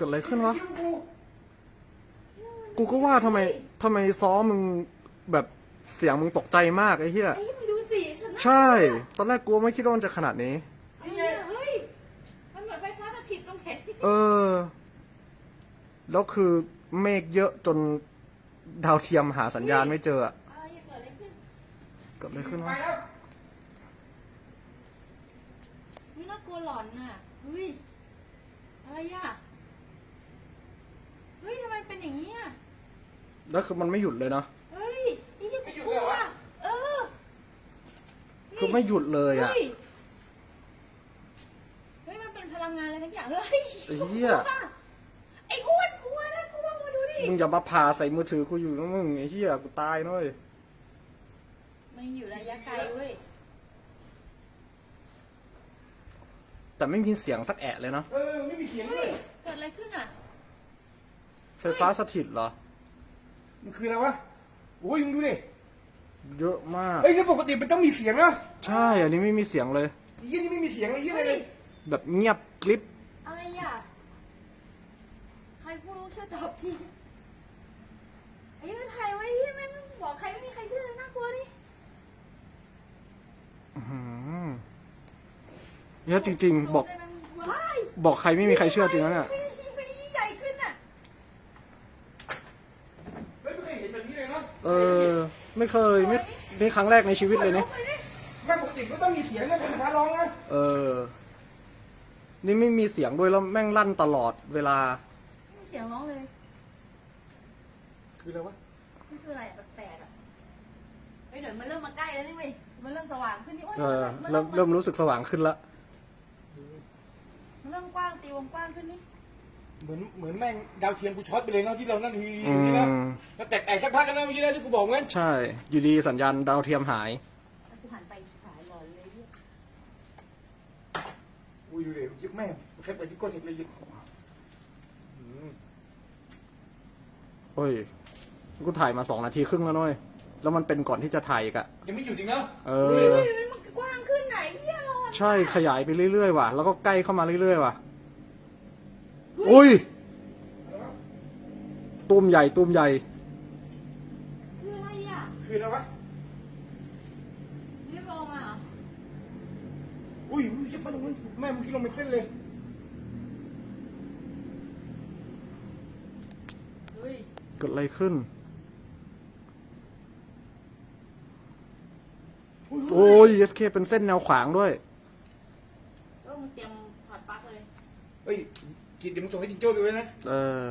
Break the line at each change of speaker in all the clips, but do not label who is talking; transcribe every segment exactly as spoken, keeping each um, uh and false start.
กิดอะไรขึ้นวะกูก็ว่าทำไมทำไมซ้อมึงแบบเสียงมึงตกใจมากไอ้เหี้ย
ไอ้มึงดูสิฉันน่ะ
ใช่ตอนแรกกูไม่คิดว่ามันจะขนาดนี้
ไอ้เหี้ยเฮ้ยมันเหมือนไฟฟ้าสถิตตรงไหน
เออแล้วคือเมฆเยอะจนดาวเทียมหาสัญญาณไม่เจออะ
อะไรเกิดอะไรขึ้น
เกิดอะไรขึ้นวะ
นี่น่ากลัวหลอนน่ะเฮ้ยอะไรอ่ะเฮ้ยทำไมเป็นอย่างนี้อ่ะ
แล้วคือมันไม่หยุดเลยเนาะ
เฮ้ยไอ้เหี้ยกูกลัวเออ
คือไม่หยุดเลยอะ
เฮ้ยเฮ้ยมันเป็นพลังงานอะไรทั้งอย่างเฮ้ย
ไอ้เหี้ย
ไอ้อ้วนกลัวนะกลัวมาดูดิ
มึงอย่ามาผ่าใส่มือถือกูอยู่นะมึงไอ้เหี้ยกูตายน้อย
มันอยู่ระยะไกลเว้ย
แต่ไม่มีเสียงสักแอะเลยเนาะ
เออไม่มีเสียงเล
เฮ้ย
ย
เกิดอะไรขึ้นอ่ะ
ไฟฟ้าสถิตเหรอ
มันคืออะไรวะโอ้ยมึงดูดิ
เยอะมาก
เฮ้ยแล้วปกติมันต้องมีเสียงนะ
ใช่อันนี้ไม่มีเสียงเลย
ไอ้เหี้ยนี่ไม่มีเสียงไอ้เหี้ย
เฮ้
เลย
ย
แบบเงียบกริบ
อะไรอ่ะใครพูดรู้ช่วยตอบทีไอ้มันถ่ายไว้ที่แม่งบอกใครไม่มีใครเชื่อเลยน่ากลัวดิ
อื้อหือเยอะจริงๆ บอก
ว้าย
บอกใครไม่มีใครเชื่อจริงนะเนี่ย
ใหญ่ขึ้นอ่ะ
เฮ้ยไม่เคยเห็นแบบนี้เลยเนาะ
เออ ไม่เคยไม่นี่ครั้งแรกในชีวิตเลยเนี่ย
แม่งปกติก็ต้องมีเสียงนะเป็นฟ้าร้องนะ
เออ นี่ไม่มีเสียงด้วยแล้วแม่งลั่นตลอดเวลา
ไม่มีเสียงร้องเลย
คืออะไรวะ
นี่คืออะไรอะแปลกๆอ่ะเฮ้ยเดี๋ยวมันเริ่มมาใกล้แล้วนี่เว้ยมันเริ่มสว่างขึ้นนี่โอ้ย
เออ
มัน
เริ่มเริ่มรู้สึกสว่างขึ้นละ
มันเริ่มกว้างตีวงกว้างขึ้นนี่
เหมือนเหมือนแม่งดาวเทียมกูช็อตไปเลยเนาะที่เรานั่นที
อื
นี้นะ
ม
แล้วแตกแตกสักพักกันนะเมื่อกี้นะที่กูบอกงั้น
ใช่ อยู่ดีสัญญาณดาวเทียมหาย
แล้วกูหันไปหายหลอนเลยเนี่ย
อุ้ยดูดิยิบแม่งแค่ไปที่ก้นเห็นเลยยิบอืม
โอ้ย กูถ่ายมาสองนาทีครึ่งแล้วน้อย แล้วมันเป็นก่อนที่จะถ่ายอีกอะ
ยังไม่หยุดอีกเนาะ
เอ
เฮ้
อ
ยมันกว้างขึ้นไหนเหี้ยร้อน
ใช่ขยายไปเรื่อยๆว่ะ แล้วก็ใกล้เข้ามาเรื่อยๆว่ะ อุ้ย ตุ้มใหญ่ตุ้มใหญ่
คืออะไรอ่ะ
คืออะไรวะ
รีบลงมาเหรอ
อุ้ยอุ้ยยิบมาตรงนั้นแม่เมื่อกี้ลงเป็นเส้นเลย
เฮ้ย
เกิดอะไรขึ้น
อุ้ย
โอ้ยเอสเคเป็นเส้นแนวขวางด้วย
เออมึงเตรียมถอดปลั๊กเลย
เฮ้ยกินเดี๋ยวมึงส่งให้จิงโจ้ดูเลยนะ
เออ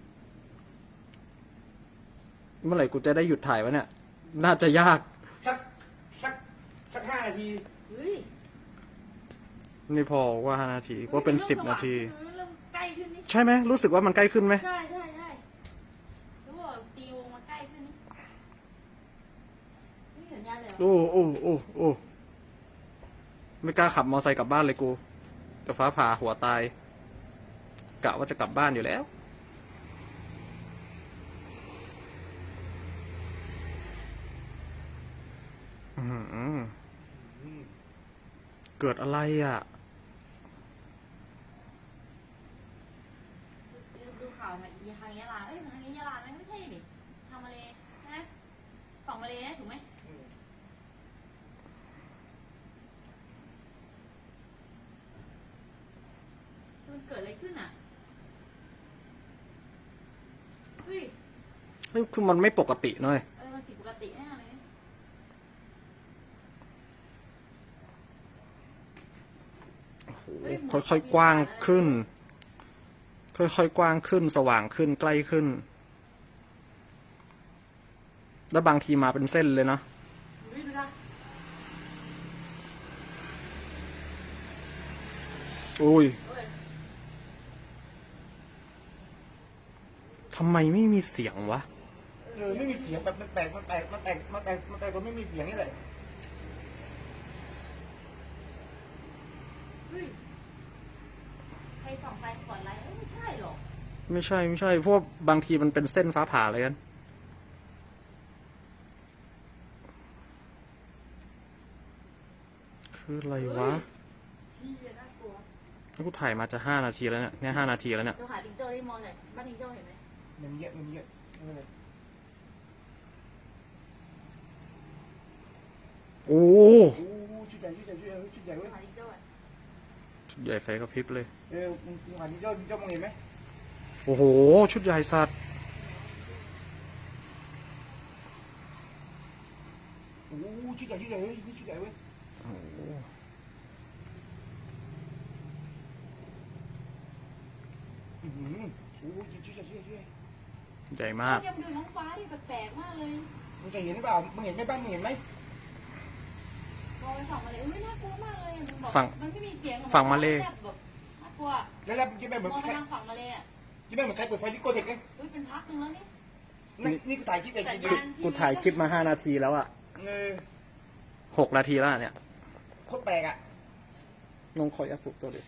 เมื่อไหร่กูจะได้หยุดถ่ายวะเนี่ย น่าจะยาก
สักสักสักห้านาที
เฮ้ย
นี่พอว่าห้านาทีว่าเป็นสิบนาที
มันเริ่มใกล้ขึ้นนี่
ใช่ไหม รู้สึกว่ามันใกล้ขึ้นไหม
ใช่ใช่ใช่แล้วบอกตีวงมาใกล้ขึ้นนี่ไม่เห็นยาเลยเหรอ
โอ้โอ้โอ้โอ้ไม่กล้าขับมอไซค์กลับบ้านเลยกูแต่ฟ้าผ่าหัวตาย กะว่าจะกลับบ้านอยู่แล้ว อื้อหือเกิดอะไรอ่ะ
ดูดูข่าวมาอีทางยะลาเอ้ยทางนี้ยะลาไหมไม่ใช่ดิทางมาเลยนะฝั่งมาเลยนะถูกไหมมันเกิดอะไรขึ้นอ่ะเฮ้ย
เฮ้ยคือมันไม่ปกติเนอะ
อะไรมันผิดปกติแน่เลย
โอ้โหค่อยๆกว้างขึ้น ค่อยๆกว้างขึ้น สว่างขึ้น ใกล้ขึ้น แล้วบางทีมาเป็นเส้นเลยนะ
ดูดิดูนะ
อุ้ย
เอ้ย
ทำไมไม่มีเสียงวะ
เออไม่มีเสียงแบบมันแตกมันแตกมันแตกมันแตกมันแตกมันไม่มีเสียงนี่แหละ
เฮ้ยใครส่องไฟขอดไลท์เอ้ยไม่ใช่หรอก
ไม่ใช่ไม่ใช่เพราะวกบางทีมันเป็นเส้นฟ้าผ่าเลยกัน คืออะไรวะ
พี่น่ากลัว
กูถ่ายมาจะห้านาทีแล้วเนี่ยเนี่ยห้านาทีแล้วเนี่ย
เราหาจิงโจ้ที่มองเลยบ้านจิงโจ้เห็นไหม
มันเยอะมันเยอะไม่เป็นไร
โอ้
โอ้ชุดใหญ่ชุดใหญ่ชุดใหญ่ชุดใหญ่เว้ย
หาจิงโจ้อะ
ชุดใหญ่ไฟกระพริบเลย
เออมึงมึงหาที่เจ้าที่เจ้ามองเห็นไหม
โอ้โหชุดใหญ่สัตว์
โอ้ชุดใหญ่ชุดใหญ่เว้ยชุดใหญ่เว้ย
โอ้โห
อือหือโอ้ชุดใหญ่ชุดใหญ่ชุดใหญ่
ใหญ่มาก
เดี๋ยวดูท้องฟ้าดิแปลกๆมากเลย
มึงจะเห็นหรือเปล่ามึงเห็นไหมบ้างมึงเห็นไหม
มองไปส่องมาเลยไม่น่ากลัวมากเลยมันบอก
ฝั่ง
มันไม่มีเสียง
ฝั่งมาเล
แบบน่ากลัว
แล้วแล้วจะไม่เหมือน
มองไป
ใคร
ทางฝั่งมาเลยอ่ะ
จะไม่เหมือนใครเปิดไฟที่โกเทคไง
อุ้ยเป็นพักหนึงแล้วนี่
นี่นี่กูถ่ายคลิปเอง
สัญ
จริ
ญาง ณ
กูถ่ายคลิปมาห้านาทีแล้วอะ
ๆเออ
หกนาทีแล้วเนี่ย
โคตรแปลกอ่ะ
น้องคอยอัพสุดตัวเลย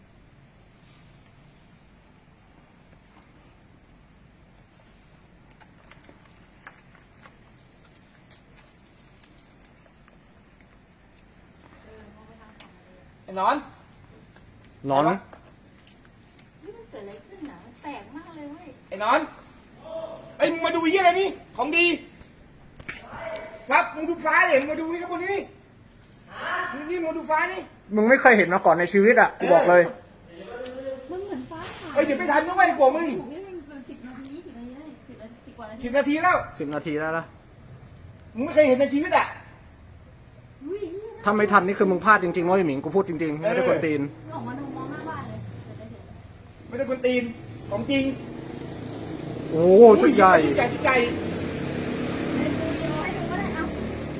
เออมองไปทางฝั่งมาเลย
ไอ้นอน
นอน
นี่มันเกิดอะไรขึ้นนะมันแปลกมากเลยเว้ย
ไอ้นอนไอ้ยมึงมาดูยี่อะไรนี่ของดีครับมึงดูฟ้าเลยมึงมาดูนี่ครับพวกนี้มึงนี่มึงดูฟ้านี่
มึงไม่เคยเห็นมาก่อนในชีวิตอะกูบอกเลย
มันเหมือนฟ้าผ่า
เอ้ยเดี๋ยวไม่ทันนะเว้ยกลัวมึง
ถูกนี่มันเป็นสิบนาทีสิบนาทีได้สิบนาทีสิบกว่านาที
สิบนาทีแล้ว
สิบนาทีแล้วละ
มึงไม่เคยเห็นในชีวิตอ่ะ
อุ้ย
ถ้าไม่ทันนี่คือมึงพลาดจริงๆเว้ยหมิงกูพูดจริงๆ ไม่ได้คนตีน
ออกมาดูมองหน้าบ้านเลยจะได้เห็น
ไม่ได้คนตีนของจริง
โอ้ชุดใหญ่
ชุดใหญ่ชุดใหญ่
เดี๋ยวดูเดี๋ยวให้ดูก็ได้เอา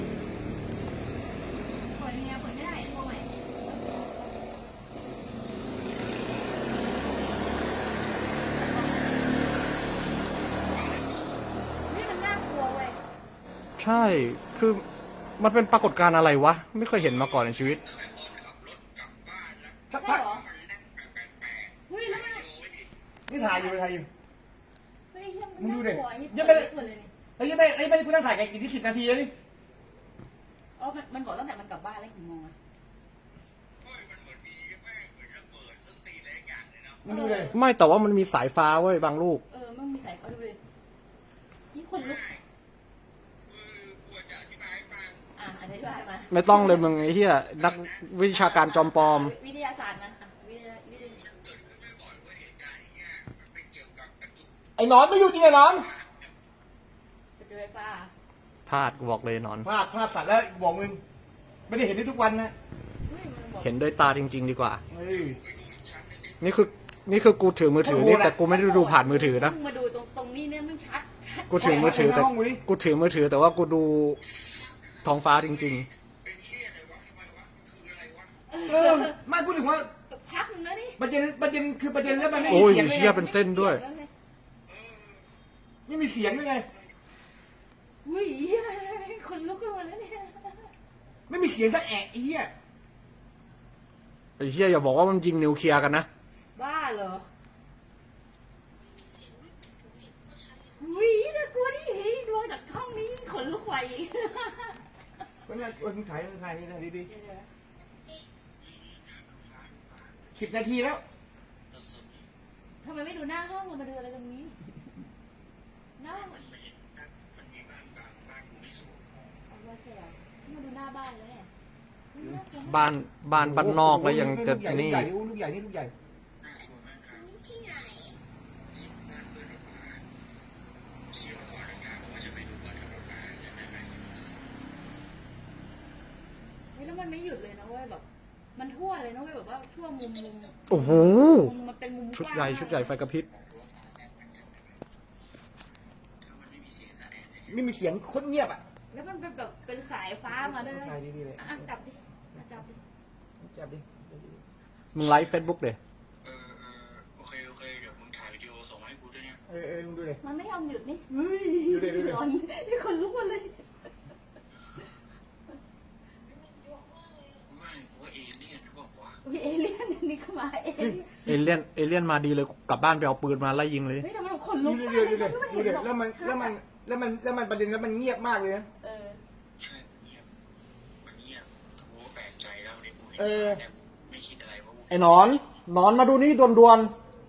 เปิดยังไงเปิดไม่ได้ตัวใหม่นี่มันน่ากลัวเว้ย
ใช่ คือมันเป็นปรากฏการณ์อะไรวะ ไม่เคยเห็นมาก่อนในชีวิต
พัก
ใช่
พัก
เหรออุ้ยแล้วมัน
นี่ถ่ายอยู่ถ่ายอยู่
เฮ้ยเหี้ย
มึงดูดิ
น่ากลัวยิ่ง
ยังไม่
เปิดเลยนี่
เฮ้ยไม่เฮ้ยไม่ได้กูนั่งถ่ายกันกี่ที่สิบนาทีแล้วนี่
อ๋อมันมันบอกตั้งแต่มันกลับบ้านแล้วกี่โมงอะ
มึงดูเลย
ไม่แต่ว่ามันมีสายฟ้าเว้ยบางลูก
เออมันมีสายเขาดูเลยนี่คนลุกอ่ะอธิบายมา
ไม่ต้องเลยมึงไอ้เหี้ยนักวิชาการจอมปลอม
วิทยาศาสตร์นะอ่ะวิทยาวิทยา
ไอ้นอนไม่อยู่จริงไอ้นอน
ไปเจอไฟฟ้า
พลาดกูบอกเลยนอน
พลาดพลาดสัตว์แล้วบอกมึงไม่ได้เห็นได้ทุกวันนะ
เฮ้ยมันบอก
เห็นด้วยตาจริง ๆ ดีกว่า
เฮ้ย
นี่คือนี่คือกูถือมือถือนี่แต่กูไม่ได้ดูผ่านมือถือนะ
มาดูตรงตรงนี้เนี่ยมันชัดชัด
กูถือมือถือแต่
ห้องกูดิ
กูถือมือถือแต่ว่ากูดูท้องฟ้าจริง
เออไม่พูดถึงว่า
พักหนึ่งแล้วนี่
ประเด็นประเด็นคือประเด็นแล้วมันไม่
ๆ
มี
โอ้ย
เสียง
เชี่ยเป็นเส้นด้วย
ไม่มีเสียงด้วยไง
อุ้ยคนลุกขึ้นมาแล้วเนี่ย
ไม่มีเสียงสักแอะไอ้เหี้ย
ไอ้เชี่ยอย่าบอกว่ามันยิงนิวเคลียร์กันนะ
บ้าเหรออุ้ยน่ากลัวดิเฮ้ยดวงจากห้องนี้ขนลุกไฟอีก
วันนี้วันถ่ายวันถ่ายนี่นะดี
เดี๋ยว
ๆสิบนาทีแล้ว
ๆทำไมไม่ดูหน้าห้องเรามาดูอะไรตรงนี้หน้าห้องเอาว่าใช่เหรอมาดูหน้าบ้านเลยเนี่ยน่ากลัวมาก
บ้านบ้านบ้านนอกแล้วยังจะ
ลูกใหญ่
นี่
ลูกใหญ่นี่ลูกใหญ่
เฮ้ยแล้วมันไม่หยุดเลยนะเว้ยแบบ มันทั่วเลยนะเว้ยแบบว่าทั่วมุมมุม
โอ้โห
มุมมันเป็นมุม
ชุดใหญ่ชุดใหญ่ไฟกระพริบ
ไม่มีเสียงโคตรเงียบอ่ะ
แล้วมันเป็นแบบเป็นสายฟ้ามาด้วยนะ
ถ่ายดีๆเลย
อ่ะจับดิอ่ะจับดิ
จับดิ
มึงไลฟ์เฟซบุ๊กเดย
เออเออโอเคโอเคเดี๋ยวมึงถ่ายวิดีโอส่งมาให้กูด้วยเนี่ย
เออเออมึงดูเลย
มันไม่ยอมหยุดนี่
เฮ้ยดูดิดูดิ
ร้อนนี่คนลุกหมดเลย
ไม่กูว่าเอเลี่ยนหรือเปล่าวะ
มีเอเลี่ยนนี่เข้ามาเอเลี่ยน
เอเลี่ยนเอเลี่ยนมาดีเลยกลับบ้านไปเอาปืนมาไล่ยิงเลย
เฮ้ยแต่มันขนลุ
ดู
ก
ดิ
มาก
ดูดิ
เลย
ดูดิแล้วมันแล้วมันแล้วมันแล้วมันประเด็นแล้วมันเงียบมากเลยนะ
เออ
ใช่เงียบมันเงียบกูก็แปลกใจแล้วเนี่ยกูเห็น
เออ
แต่กูไม่คิดอะไรเพราะกู
ไอ้หนอนหนอนมาดูนี่ด่วน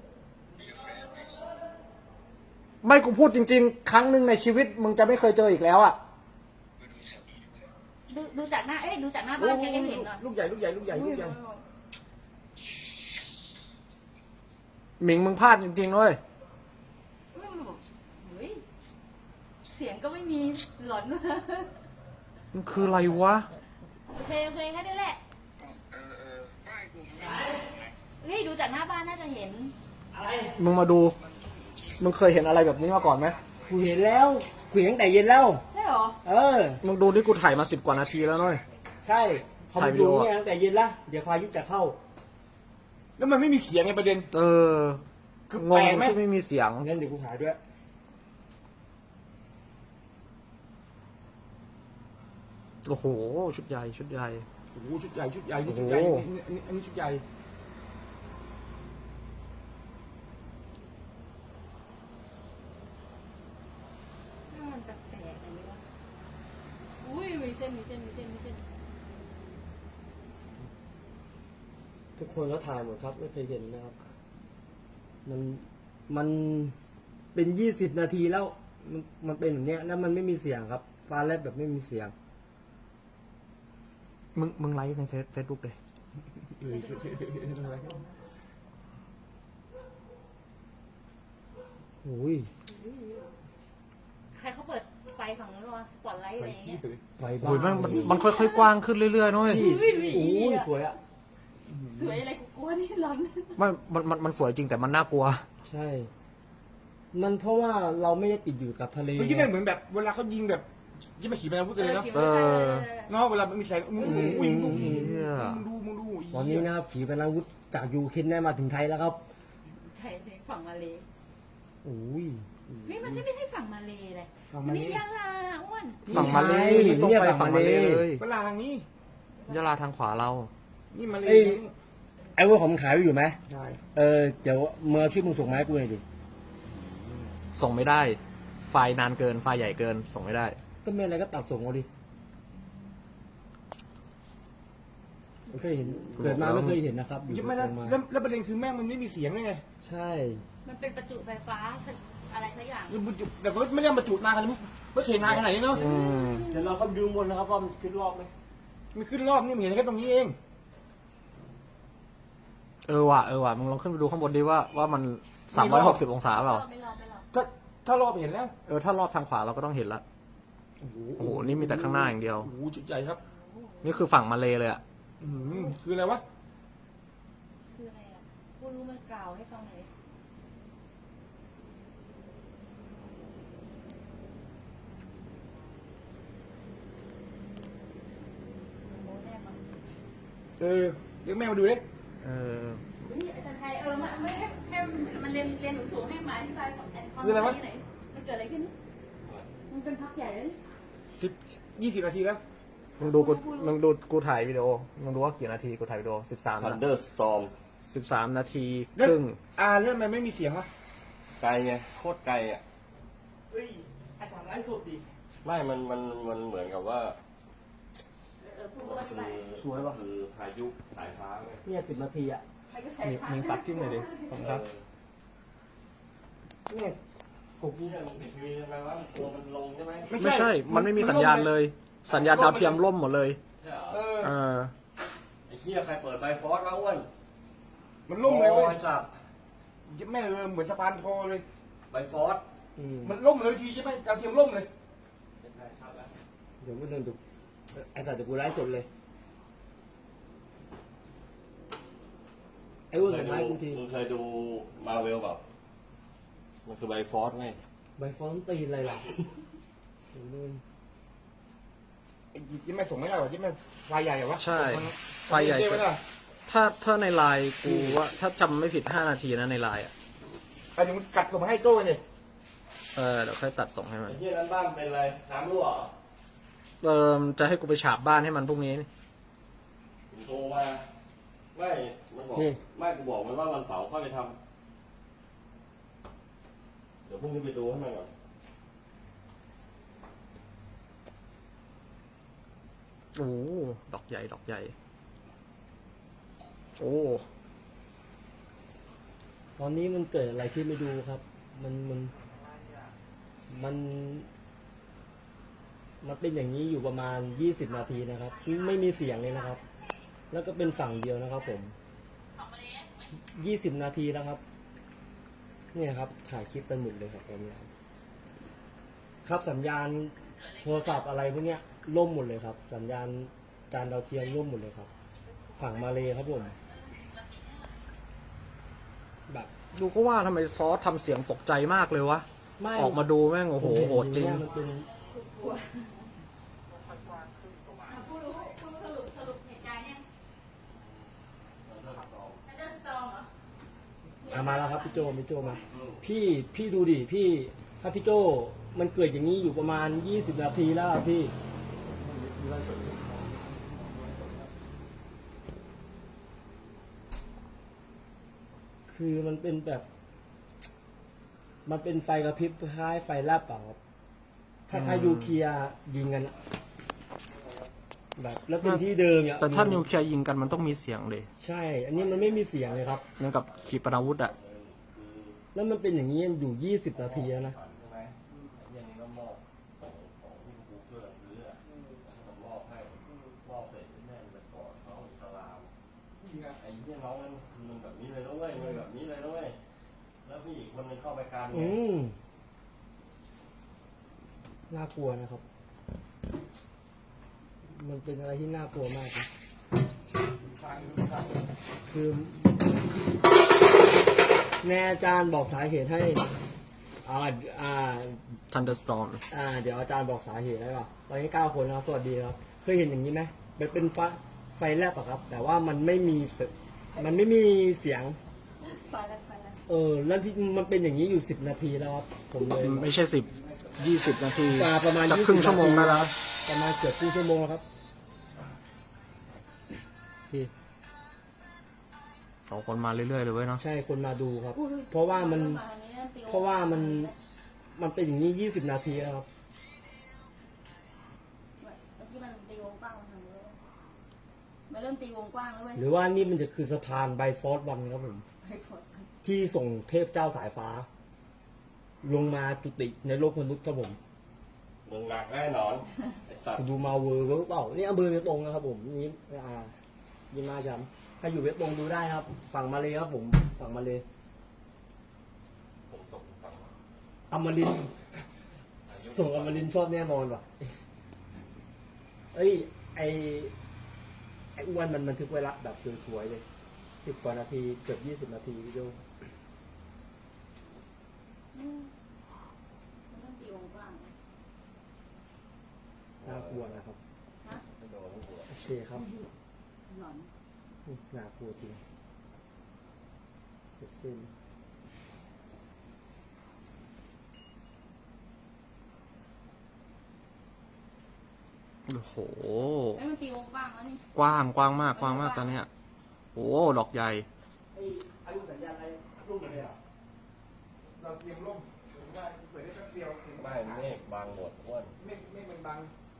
ๆไม่กูพูดจริงๆ ครั้งหนึ่งในชีวิตมึงจะไม่เคยเจออีกแล้วอ่ะ
ดูดูจากหน้า เอ้ยดูจากหน้าบ้านแกก็เห็นเหรอ
ลูกใหญ่ลูกใหญ่ลูกใหญ่ลูกใหญ่
หมิงมึงพลาดจริงๆเว้ย
อืมเฮ้ยเสียงก็ไม่มีหลอนมาก
มันคืออะไรวะ
โอเคโอเคแค่นี้แหละ
เออเออไม่กูไม่
เฮ้ยดูจากหน้าบ้านน่าจะเห็น
มึงมาดู มึงเคยเห็นอะไรแบบนี้มาก่อนไหม
กูเห็นแล้วกูเห็นตั้งแต่เย็นแล้ว
ใช่เหรอ
เออ
มึงดูที่กูถ่ายมาสิบกว่านาทีแล้วเน้อย
ใช่พอ
ถ่าย
มา
วิดี
ดู
โอ
เนี่ยตั้งแต่เย็นละเดี๋ยวพายุจะเข้า
แล้วมันไม่มีเขียงไงประเด็น
เออ
คือง
ง
แปลกไหม
ที่ไม่มีเสียง
งั้นเดี๋ยวกูถ่ายด้วย
โอ้โห ชุดใหญ่ชุดใหญ่
โอ้โหชุดใหญ่ชุดใหญ่นี่ชุดใหญ่
โอ้โห
อันนี้อันนี้ชุดใหญ่
มันแปลกๆอย่างนี้วะอุ้ยมีเส้นมีเส้นมีเส้นมีเส้น
ทุกคนก็ถ่ายหมดครับไม่เคยเห็นนะครับ มันมันเป็นยี่สิบนาทีแล้ว มันมันเป็นแบบเนี้ยแล้วมันไม่มีเสียงครับ ฟ้าแลบแบบไม่มีเสียง
มึงมึงไลฟ์ในเฟซบุ๊กเลย
เอออะไร
โอ้ย
ใครเขาเปิดไฟฝั่งนู้นวะสปอตไลท์อะไรอย่างเงี้ย
ไฟบ้า
โอ้ยมันมันมันค่อยๆ กว้างขึ้นเรื่อยๆเน้อย
ที่
อุ้ย
โอ้ยสวยอ่ะ
สวยอะไรกูกลัวนี่ร้อน
ไม่มันมันมันสวยจริงแต่มันน่ากลัว
ใช่ มันเพราะว่าเราไม่ได้ติดอยู่กับทะเล
เมื่อกี้แม่งเหมือนแบบเวลาเขายิงแบบยิงมาขี่ไปนะพูดกันเลยเนาะ
เออ
เนาะเวลามันมีแสงมึงดูมึงดู
เหี้ย
มึงดูมึงดู
ตอนนี้นะครับขีปนาวุธจากยูเครนได้มาถึงไทยแล้วครับ
ใช่ใช่ฝั่งมาเล
โอ้ย
เฮ้ยมันไม่ใช่ฝั่งมาเลเลย
ฝั่ง
มั
มาน เล
นี่ยะลาอ้วน
ฝั่งมาเลย
ไม่ใช่
นี่ต้อง
เนี่ย
ไป
ฝั่
ฝั่ง
ง
มา
มา
เล
เล
เลย
เวลาทางนี้
ยะลาทางขวาเรา
นี่มาเลย
เอ้ย ไอ้เว่าผมขายไว้อยู่ไหม
ใช่
เออเดี๋ยวเมื่อชื่อมึงส่งมาให้กูหน่อยดิ
ส่งไม่ได้ ไฟล์นานเกิน ไฟล์ใหญ่เกิน ส่งไม่ได้
ก็ไม่อะไรก็ตัดส่งเอาดิไม่เคยเห็นเกิดมาไม่เคยเห็นนะครับอยู่
ยิงไม่แล้ว
ส่งมา
แล้วแล้วประเด็นคือแม่งมันไม่มีเสียงเลยไง
ใช่
มันเป็นประจุไฟฟ้าอะไรสักอย่าง
แต่ก็ไม่ได้มาจุดนานขนาดนี้ไม่เคยนานขนาดนี้เนาะ
อืม
เดี๋ยวเราเข้าไปดูบนนะครับว่ามันขึ้นรอบไหม
มันขึ้นรอบนี่มันเห็นแค่ตรงนี้เอง
เออว่ะ เออว่ะ มึงลองขึ้นไปดูข้างบนดิว่าว่ามันสามร้อยหกสิบองศาเปล่า
ไม่รอไม่รอ
ถ้าถ้ารอบเห็นแล้ว
เออ ถ้ารอบทางขวาเราก็ต้องเห็นละ
โอ้โห
โอ้โห นี่มีแต่ข้างหน้าอย่างเดียว
โอ้โหจุดใหญ่ครับ
นี่คือฝั่งมาเลเลยอะ
อืมคืออะไรวะ
คืออะไรอ่ะกูรู้มันกล่าวให้ฟังหน่อยดิโอ้แน่มั้ง
เออเรียกแม่มาดูดิ
เออ
เฮ้ยอาจารย์ไทยเออมาไม่ให้ให้มันเรียนเรียนสูงๆให้มาอธิบายของแอนคอนที่ไหนมันเกิดอะไรขึ้นมันเป็นพักใหญ่เลย
สิบยี่สิบนาทีแล้ว
มึงดูกู มึงดูกูถ่ายวิดีโอ มึงดูว่ากี่นาทีกูถ่ายวิดีโอสิบสาม
Thunderstorm
สิบสามนาที
แล้ว
ครึ่ง
อ่าเรื่องมันไม่มีเสียงวะ
ไกลไงโคตรไกลอ่ะ
เฮ้ยไอ้สามไลฟ์สดดิ
ไม่มันมันมันเหมือนกับว่า
เออพูดอธิ
คื
บาย
อสวยป่ะคือพายุสายฟ้าไง
เนี่ยสิบนาทีอ่ะ
ใครก็ใช้
มี
พัก
มีตัดจิ้มหน่อยดิขอบคุณครับ
เนี่ย
ผมพี่เนี่ยมันติดทีวีใช่ไหมว่าตัวมันลงใช่ไหม
ไม่
ไม่ใช่ มันไม่มีสัญญาณเลย สัญญาณดาวเทียมล่มหมดเลย
ใช่เหรอ
เออ
เออ
ไอ้เหี้ยใครเปิดไบฟอสมาอ้วน
มันล่มเลยเว้ย
ไอ้สัตว์
แม่เออเหมือนสะพานคอเลย
ไบฟอส
อืม
มันล่มเลยทีใช่ไหมดาวเทียมล่มเลย
ใช่ครับแล้ว
เดี๋ยวกูเดินดูไอ้สัตว์เดี๋ยวกูไลฟ์สดเลย ไอ้อ้วน
เค
ส่
ย
ง
ดู
มาให้กูที
มึงเคยดูมาเวลแบบมันคือไบฟอสไง
ใบฟอนต์ตีนอะไรล่ะโอ้ย
ไอ้ยี่แม่ส่งไม่ได้หรอยี่แม่ไฟใหญ่เหรอวะ
ใช่
มัน
ไฟใหญ่
มันไม่ได้
ถ้าถ้าในไลน์กูว่าถ้าจำไม่ผิดห้านาทีนะในไลน์อ่ะ
ไอ้เดี๋ยวมันกัดส่งมาให้โต้เนี่ย
เออเดี๋ยวค่อยตัดส่งให้มัน
ไอ้เหี้ยนั้นบ้านเป็นอะไรน้ำรั่วเหรอ
เออจะให้กูไปฉาบบ้านให้มันพรุ่งนี้นี่
ผมโทรมาไม่มันบอกไม่กูบอกมันว่าวันเสาร์ค่อยไปทำเดี๋ยวพรุ่งนี้ไปดูให้มันก่อน
โอ้ดอกใหญ่ดอกใหญ่ โอ้
ตอนนี้มันเกิดอะไรขึ้นไม่ดูครับ มันมันมันมันเป็นอย่างนี้อยู่ประมาณยี่สิบนาทีนะครับ ไม่มีเสียงเลยนะครับ แล้วก็เป็นฝั่งเดียวนะครับ ผมยี่สิบนาทีแล้วครับ เนี่ยครับ ถ่ายคลิปเป็นหมดเลยครับตอนนี้ครับครับสัญญาณโทรศัพท์อะไรพวกเนี้ยล่มหมดเลยครับ สัญญาณจานดาวเทียมล่มหมดเลยครับ ฝั่งมาเลครับผมแบบ
ดูก็ว่าทำไมซอสทำเสียงตกใจมากเลยวะ
ไม่
ออกมาดูแม่งโอ้โห
ผมเน
โหดจริง
เนี่ยมันเป็น
อ่ะผู้รู้ผู้รู้สรุปสรุปเหตุการณ์เนี่ยทันเดอร์สตอร์มเหรอ
อ่ะมาแล้วครับพี่โจพี่โจมา พี่พี่ดูดิพี่ถ้าพี่โจมันเกิดอย่างนี้อยู่ประมาณยี่สิบนาทีแล้วอะพี่ คือมันเป็นแบบ มันเป็นไฟกระพริบคล้ายไฟแลบเปล่าครับถ้าถ้ายูเคลียร์ยิงกันอะแบบ แล้วเป็นที่เดิมเนี่ย
แต่ถ้านิวเคลียร์ยิงกันมันต้องมีเสียงเลย
ใช่ อันนี้มันไม่มีเสียงเลยครับ
เหมือนกับขีปนาวุธอะ
แล้วมันเป็นอย่างนี้อยู่ยี่สิบนาทีแล้วนะ
ใช่ไหมไอ้เหี้ยนี่ก็มอบของของที่กูเพื่อนซื้ออะก็มอบให้มอบเสร็จแม่งไปกอดเขาอิสลามไอ้เหี้ยน้องมันคือมันแบบนี้เลยนะเว้ยมันแบบนี้เลยนะเว้ยแล้วพี่อีกคนนึงเข้าไปการ
อื
เนี่ย
มน่ากลัวนะครับ มันเป็นอะไรที่น่ากลัวมากนะคือแน่อาจารย์บอกสาเหตุให้ อ่า อ่า
Thunderstorm
อ่า เดี๋ยวอาจารย์บอกสาเหตุได้ป่ะตอนนี้เก้าคนนะครับ สวัสดีครับ เคยเห็นอย่างนี้ไหมมันเป็นไฟไฟแลบอะครับ แต่ว่ามันไม่มีเสียงมันไม่มีเสียง
ไฟแล้วไฟแล้ว
เออ แล้วที่มันเป็นอย่างนี้อยู่สิบนาทีแล้วครับ ผมเลย
ไม่ใช่สิบยี่สิบนาที
อ่าประมาณ
จะ
ยี่
ครึ่
สิ
ง
บ
ชั่วโมงได้แล้ว
ประมาณเกือบครึ่งชั่วโมงแล้วครับที่
สองคนมาเรื่อยๆเลยเว้ยเนาะ
ใช่คนมาดูครับ เพราะว่ามัน เพราะว่ามัน มันเป็นอย่างนี้ยี่สิบนาทีแล้วครับ
เมื่อกี้มันตีวงกว้างมาทางนี้เลยมันเริ่มตีวงกว้างแล้วเว้ย
หรือว่านี่มันจะคือสะพานไบฟอร์ดวันครับผม
ไปฝน
ที่ส่งเทพเจ้าสายฟ้า ลงมาจุติในโลกมนุษย์ครับผม
มึงหนักแน่นอนไอ้สัตว์
ดูมาเวอร์ก็เปล่านี่อำเภอเวตงนะครับผมนี่อ่ายินมาจำถ้าอยู่เวตงดูได้ครับ ฝั่งมาเลยครับผม ฝั่งมาเลย
ผมตกฝั่ง
อมรินทร์ส่งอมรินทร์ชอบแน่นอนว่ะ เอ้ย ไอไออ้วนมันบันทึกไว้ละแบบสวยๆเลยสิบกว่านาทีเกือบยี่สิบนาทีพี่โจ
อืมมันเริ่มตีวงกว้าง
น่ากลัวนะครับ
นะ
ไม่โดนไม่หัว
โอเคครับ
หลอน
น่ากลัวจริงเสร็จสิ้น
โอ้โห
ไอ้ยมันตีวงกว้างแล้วนี่
กว้างกว้างมากกว้างมากตอนเนี้ยโอ้ดอกใหญ่
ไอ้อายุสัญญาณอะไรรุ่งเลยอ่ะ
เราเตรียมร่มหรือว่าเปิดได้แป๊บเดียวถึง
ไม่เมฆบางหมดอ้วน
เมฆเมฆมันบัง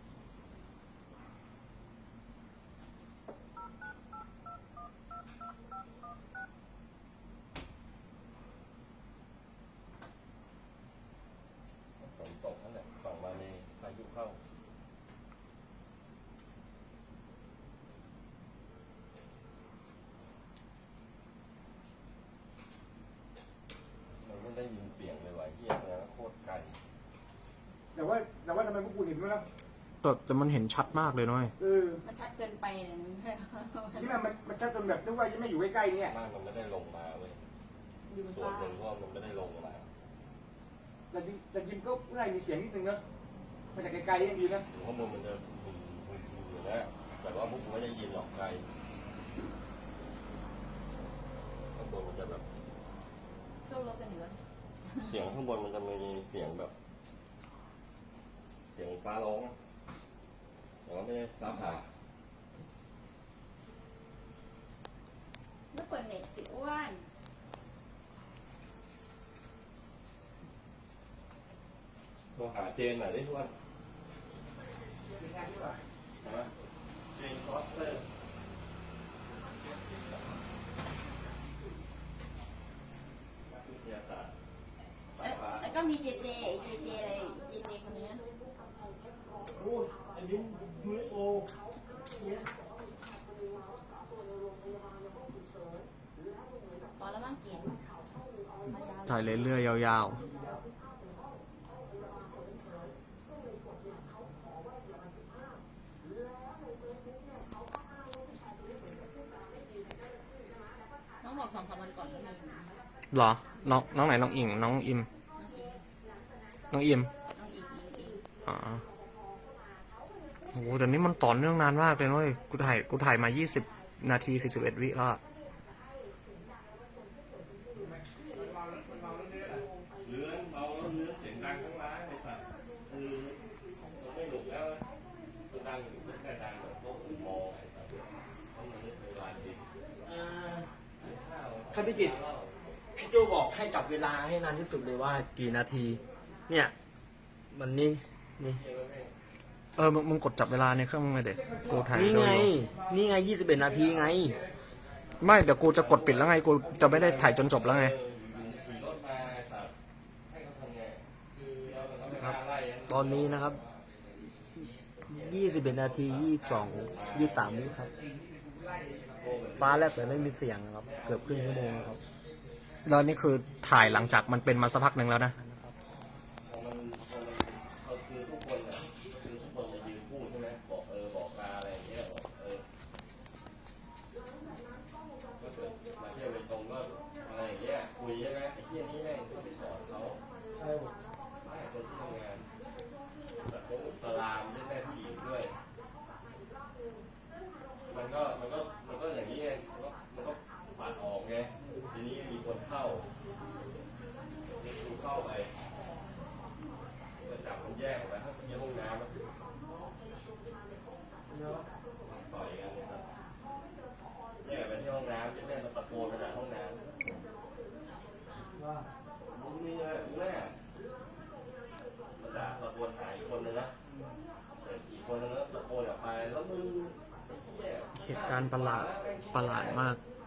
ฝนตกนั่นแหละฝั่งมาเลยพายุเข้ามันไม่ได้ยินเสียงเลยว่ะเฮียนะโคตรไกล
แต่ว่าแต่ว่าทำไมพวกกูเห็นด้วยนะ
แต่แต่มันเห็นชัดมากเลยน้อย
เออ
มันชัดเกินไปเนี่ยมัน
ที่มันมันมันชัดจนแบบนึกว่ายังไม่อยู่ใกล้ๆเนี่ย
มากมันไม่ได้ลงมาเว้ย
อยู่บน
ส่วน
ฟ้า
หนึ่งเพราะว่ามันไม่ได้ลงมา
แต่จริงแต่จริงก็น่ามีเสียงนิดนึงนะมาจากไกลๆยังดีนะ
ถึงข้างบนมันจะมึนมึนมึนอยู่นะแต่ว่าพวกกูไม่ได้ยินหรอกไกลข้างบนมันจะแบบ
สู้รบกันอยู่แล้ว
เสียงข้างบนมันจะมีเสียงแบบ เสียงฟ้าร้องแต่ว่าไม่ใช่ฟ้าผ่า
แล้วเปิดเน็ตสิอ้วน
โทรหาเจนหน่อยได้ทุกวันนะเจนคอสเตอร์
มีเจเจไอ้เจเจอะไรเจเจคนเนี้ย
โอ้อันนี้ ยู เอฟ โอเนี่ย
พอแล้วมั้งเกียน
ถ่ายเรื่อยๆยาว
น้องบอกสองสามวันก่อนก็มี
ๆเหรอ น้องน้องไหนน้องอิงน้องอิม น้องอิม
น้องอีกอีกอีก
อ๋อโอ้โหแต่นี่มันต่อเนื่องนานมากเลยเว้ยกูถ่ายกูถ่ายมายี่สิบนาทีสี่สิบเอ็ดวิแล้วอะ
เลื้อนเมาแล้วเลื้อนเสียงดังทั้งร้านไอ้สัตว์คือมันไม่หนุกแล้วมันดังอยู่แค่ดังแบบโต๊ะอื่นมองไอ้สัตว์เพราะมันไม่เคยร้านดี
อ่า
ไอ้ข้าว
ครับพี่กิตพี่โจบอกให้จับเวลาให้นานที่สุดเลยว่ากี่นาที เนี่ย มันนี่นี่
เออมึงมึงกดจับเวลาในเครื่องมึงไงเด็กกูถ่าย
นี่
ดู
ไง
อยู่
นี่ไงยี่สิบเอ็ดนาทีไง
ไม่เดี๋ยวกูจะกดปิดแล้วไงกูจะไม่ได้ถ่ายจนจบแล้วไง
ขี่รถมาไอ้สัตว์ให้เขาทำไงคือเราก็ไม่กล้าไล่ะ
ตอนนี้นะครับยี่สิบเอ็ดนาทียี่สิบสองยี่สิบสามวิครับ ฟ้าแลบแต่ไม่มีเสียงนะครับ เกือบครึ่งชั่วโมงครับ
แล้วนี่คือถ่ายหลังจากมันเป็นมาสักพักหนึ่งแล้วนะ
พอมันพอมันเขาคือทุกคนอ่ะคือทุกคนจะยืนพูดใช่ไหมบอกเออบอกลาอะไรอย่างเงี้ยบอกเออก็เกิดมาเที่ยวไปตรงก็อะไรอย่างเงี้ยคุยใช่ไหมไอ้เที่ยนี้แม่งก็ไปสอนเขาไม่คนที่ทำงานแบบพวกอิสลามด้วยแม่ผู้หญิงด้วย มันก็มันก็มันก็อย่างนี้ไงมันก็มันก็ปัดออกไงทีนี้มีคนเข้าดูเข้าไปจะจับมันแยกออกไปถ้าเป็นห้องน้ำอะต่อยกันเลยครับแยกไปที่ห้องน้ำจะแม่มันตะโกนไปหาห้องน้ำมึงนี่อะไรแม่มันด่าตะโกนหาอีกคนนึงนะแต่อีกคนนึงก็ตะโกนออกไปแล้วมึงไอ้เหี้ย
เหตุการณ์ประหลาดประหลาดมาก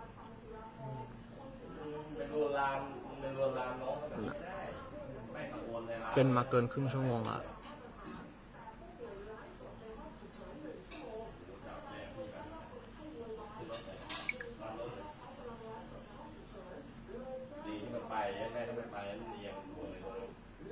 เป็นลวนลามเป็นลวนลามน้องเขาแบบนี้ไม่ได้ไม่ตะโกนเลยนะ
เป็นมาเกินครึ่งชั่วโมงละ
ดีที่มันไปแม่ที่มันไปมันเรียงตัวเลยตัวนึง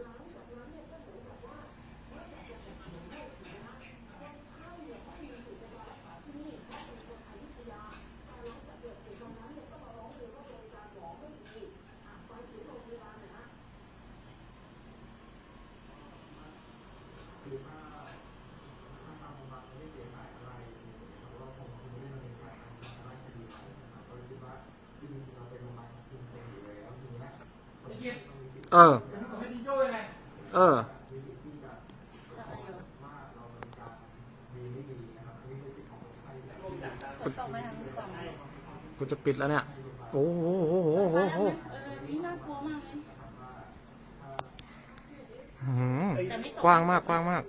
เออ เออ
ตกไปทางนี้ก่อนเลย
กูจะปิดแล้วเนี่ย โอ้โหโอ้โหโอ้โหโอ้โห
เออนี่น่ากลัวมากเลย
อื้อหือกว้างมากกว้างมาก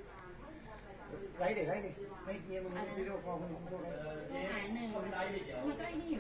ไล่เด็กไล่เด็กให้เมียมึงวิดีโอคอลคนอื่นพูดเลย
หายหนึ่งมันก็ไอ้นี่อยู่